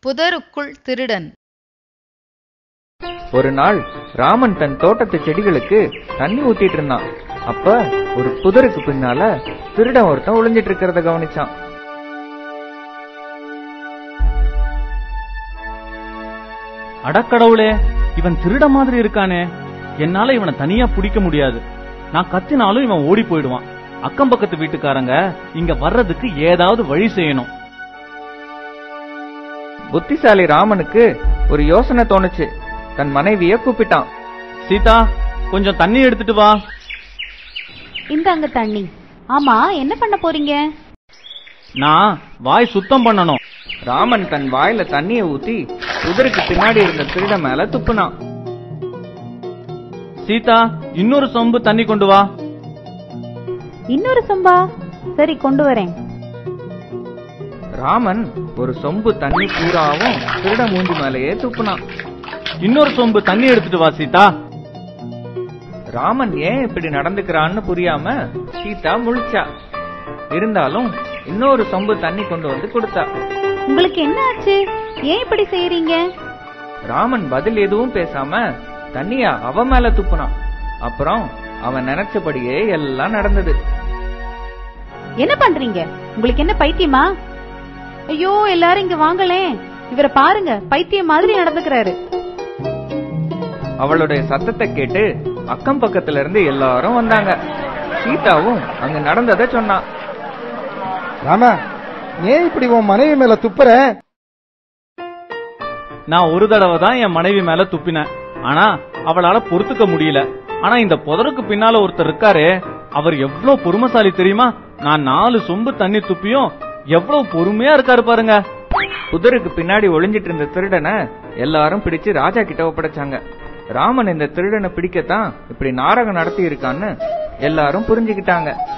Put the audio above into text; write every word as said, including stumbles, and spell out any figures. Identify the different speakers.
Speaker 1: புதருக்குள் திருடன்.
Speaker 2: ஒரு நாள் ராமன் தன் தோட்டத்து செடிகளுக்கு தண்ணி ஊத்திட்டு இருந்தான். அப்ப ஒரு புதருக்கு பின்னால திருடன் ஒருத்தன் ஒளிஞ்சிட்டு இருக்கிறத கவனிச்சான்.
Speaker 3: அடக்கடவுளே, இவன் திருட மாதிரி இருக்கானே, என்னால இவனை தனியா பிடிக்க முடியாது. நான் கத்தினாலும் இவன் ஓடி போயிடுவான். அக்கம் பக்கத்து வீட்டுக்காரங்க இங்க வர்றதுக்கு ஏதாவது வழி செய்யணும்.
Speaker 2: புத்திசாலி ராமனுக்கு ஒரு யோசனை தோணுச்சு. தன் மனைவிய கூப்பிட்டான்.
Speaker 3: சீதா, கொஞ்சம் தண்ணி எடுத்துட்டு வா.
Speaker 4: இந்தாங்க தண்ணி. ஆமா, என்ன பண்ண போறீங்க?
Speaker 3: நான் வாய் சுத்தம் பண்ணணும்.
Speaker 2: ராமன் தன் வாயில தண்ணிய ஊத்தி புதருக்கு பின்னாடி இருந்த திருட மேல துப்புனான்.
Speaker 3: சீதா, இன்னொரு சொம்பு தண்ணி கொண்டு வா.
Speaker 4: இன்னொரு சொம்பா? சரி, கொண்டு வரேன்.
Speaker 2: ராமன் ஒரு சொம்பு தண்ணி பூராவும் திருட மூஞ்சி மேலேயே துப்புனான்.
Speaker 3: இன்னொரு சொம்பு தண்ணி எடுத்துட்டு வா சீதா.
Speaker 2: ராமன் ஏன் இப்படி நடந்துக்கிறான்னு புரியாம சீதா முழிச்சா. இருந்தாலும் இன்னொரு சொம்பு தண்ணி கொண்டு வந்து கொடுத்தா.
Speaker 4: உங்களுக்கு என்ன ஆச்சு? ஏன் இப்படி செய்யறீங்க?
Speaker 2: ராமன் பதில் எதுவும் பேசாம தண்ணியா அவ மேல துப்புனான். அப்புறம் அவன் நினைச்சபடியே எல்லாம் நடந்தது.
Speaker 4: என்ன பண்றீங்க? உங்களுக்கு என்ன பைத்தியமா? ஐயோ, எல்லாரும் இங்க வாங்களே, இவரை பாருங்க, பைத்தியம் மாதிரி நடந்துக்கிறாரு.
Speaker 2: அவளுடைய சத்தத்தை கேட்டு அக்கம் பக்கத்துல இருந்து எல்லாரும் வந்தாங்க. சீதாவும் அங்க நடந்ததை சொன்னான்.
Speaker 5: ராமா, ஏன் இப்படி உன் மனைவி மேல துப்புற?
Speaker 3: நான் ஒரு தடவை தான் என் மனைவி மேல துப்பினேன். ஆனா அவளால பொறுத்துக்க முடியல. ஆனா இந்த புதருக்கு பின்னால ஒருத்தர் இருக்காரு, அவர் எவ்வளவு பொறுமைசாலி தெரியுமா? நான் நாலு சொம்பு தண்ணி துப்பியும் எவ்வளவு பொறுமையா இருக்காரு பாருங்க.
Speaker 2: புதருக்கு பின்னாடி ஒளிஞ்சிட்டு இருந்த திருடனை எல்லாரும் பிடிச்சு ராஜா கிட்ட ஒப்படைச்சாங்க. ராமன் இந்த திருடனை பிடிக்கத்தான் இப்படி நாடகம் நடத்தி இருக்கான்னு எல்லாரும் புரிஞ்சுக்கிட்டாங்க.